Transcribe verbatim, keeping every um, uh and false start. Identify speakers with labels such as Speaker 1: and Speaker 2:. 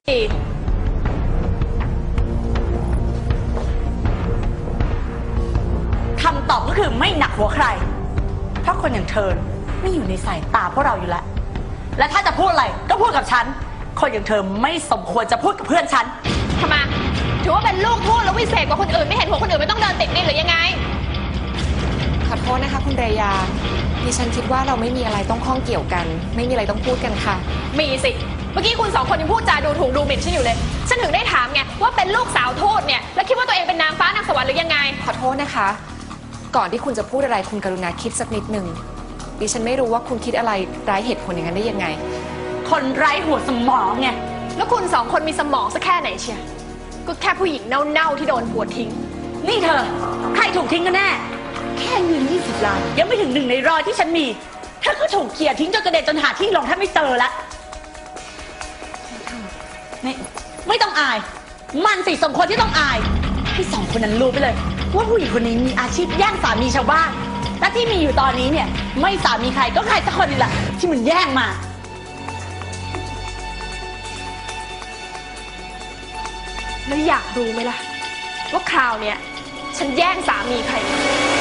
Speaker 1: คำตอบก็คือไม่หนักหัวใครเพราะคนอย่างเธอไม่อยู่ในสายตาพวกเราอยู่แล้วและถ้าจะพูดอะไรก็พูดกับฉันคนอย่างเธอไม่สมควรจะพูดกับเพื่อนฉัน
Speaker 2: ทำไมถือว่าเป็นลูกพูดแล้ววิเศษกว่าคนอื่นไม่เห็นหัวคนอื่นไม่ต้องเดินติดนี่หรือยังไง
Speaker 3: ขอโทษนะคะคุณเรยาดิฉันคิดว่าเราไม่มีอะไรต้องข้องเกี่ยวกันไม่มีอะไรต้องพูดกันค่ะ
Speaker 2: มีสิเมื่อกี้คุณสองคนยังพูดจาดูถูกดูหมิ่นฉันอยู่เลยฉันถึงได้ถามไงว่าเป็นลูกสาวทูตเนี่ยแล้วคิดว่าตัวเองเป็นนางฟ้านางสวรรค์หรือยังไง
Speaker 3: ขอโทษนะคะก่อนที่คุณจะพูดอะไรคุณกรุณาคิดสักนิดหนึ่งดิฉันไม่รู้ว่าคุณคิดอะไรไร้เหตุผลอย่างนั้นได้ยังไง
Speaker 1: คนไร้หัวสมองไง
Speaker 2: แล้วคุณสองคนมีสมองสักแค่ไหนเชียก็แค่ผู้หญิงเน่าๆที่โดนผัวทิ้ง
Speaker 1: นี่เธอใครถูกทิ้งกันแน่แค่เงินยี่สิบล้านยังไม่ถึงหนึ่งในร้อยที่ฉันมีเธอก็ถูกเขี่ยทิ้งจนกระเด็นจนหาที่ลงแทบไม่เจอละนี่ไม่ต้องอายมันสิสมควรที่ต้องอายที่สองคนนั้นรู้ไปเลยว่าผู้หญิงคนนี้มีอาชีพแย่งสามีชาวบ้านและที่มีอยู่ตอนนี้เนี่ยไม่สามีใครก็ใครสักคนนี่แหละที่มันแย่งมา
Speaker 2: แล้วอยากรู้ไหมล่ะว่าคราวเนี้ยฉันแย่งสามีใคร